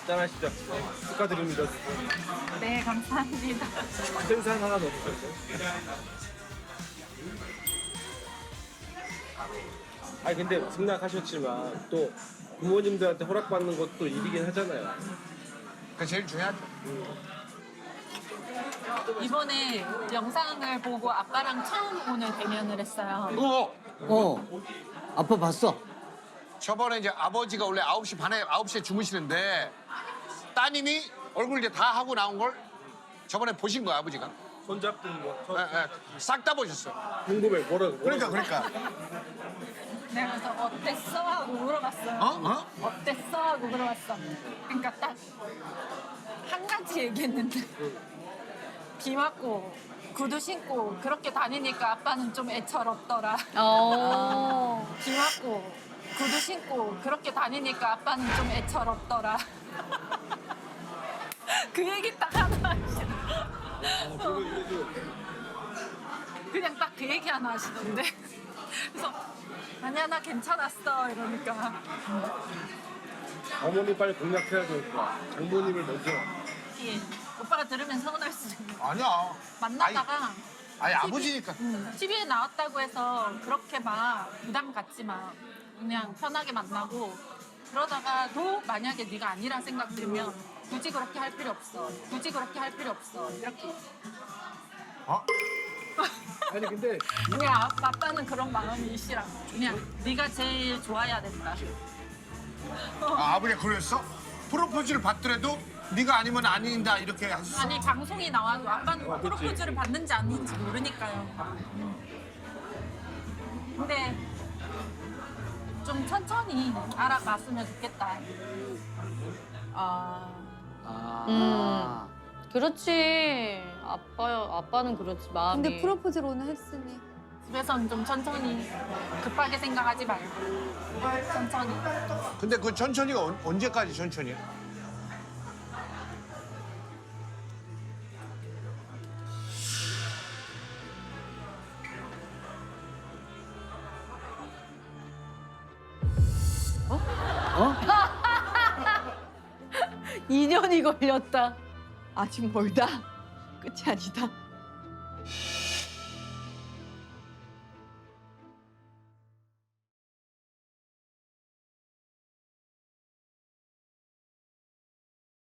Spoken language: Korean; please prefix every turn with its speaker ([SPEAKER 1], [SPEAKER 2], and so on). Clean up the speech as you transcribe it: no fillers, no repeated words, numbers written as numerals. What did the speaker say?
[SPEAKER 1] 짠하시죠. 축하드립니다.
[SPEAKER 2] 네, 감사합니다.
[SPEAKER 1] 생산 하나 넣어주세요. 아니 근데 승낙하셨지만 또 부모님들한테 허락받는 것도 일이긴 하잖아요.
[SPEAKER 3] 그게 제일 중요하죠.
[SPEAKER 2] 이번에 영상을 보고 아빠랑 처음 오늘 대면을 했어요.
[SPEAKER 4] 아빠 봤어?
[SPEAKER 3] 저번에 이제 아버지가 원래 9시 반에 9시에 주무시는데 따님이 얼굴 이제 다 하고 나온 걸 저번에 보신 거야 아버지가.
[SPEAKER 1] 손잡든 뭐
[SPEAKER 3] 싹 다 보셨어요.
[SPEAKER 1] 궁금해 뭐라고.
[SPEAKER 3] 그러니까.
[SPEAKER 2] 내가 그래서 어땠어? 하고 물어봤어요. 어땠어? 하고 물어봤어. 그러니까 딱 한 가지 얘기했는데 비 맞고 구두 신고 그렇게 다니니까 아빠는 좀 애처롭더라. 비 맞고 구두 신고 그렇게 다니니까 아빠는 좀 애처롭더라. 그 얘기 딱 하나 하시더라고요. 그냥 딱 그 얘기 하나 하시던데. 그래서 아니야 나 괜찮았어 이러니까
[SPEAKER 1] 어머니 빨리 공략해야 되겠다. 장모님을 먼저.
[SPEAKER 2] 예. 오빠가 들으면 서운할 수도 있는.
[SPEAKER 3] 아니야.
[SPEAKER 2] 만나다가
[SPEAKER 3] 아니 아버지니까.
[SPEAKER 2] TV에 나왔다고 해서 그렇게 막 부담 갖지 마. 그냥 편하게 만나고 그러다가도 만약에 네가 아니라 생각 들면 굳이 그렇게 할 필요 없어. 굳이 그렇게 할 필요 없어. 이렇게.
[SPEAKER 1] 아니 근데
[SPEAKER 2] 그냥 아빠는 그런 마음이 싫어. 그냥 네가 제일 좋아야 된다.
[SPEAKER 3] 아버지가 그랬어? 프로포즈를 받더라도 네가 아니면 아닌다 이렇게 했어.
[SPEAKER 2] 아니 방송이 나와도 아빠는 프로포즈를 받는지 아닌지 모르니까요. 근데 좀 천천히 알아봤으면 좋겠다.
[SPEAKER 5] 그렇지. 아빠는 그렇지, 마음이.
[SPEAKER 6] 근데 프로포즈를 오늘 했으니.
[SPEAKER 2] 집에서는 좀 천천히 급하게 생각하지 말고 천천히.
[SPEAKER 3] 근데 그 천천히가 언제까지 천천히야?
[SPEAKER 5] 인연이 걸렸다.
[SPEAKER 6] 아직 멀다. 끝이 아니다.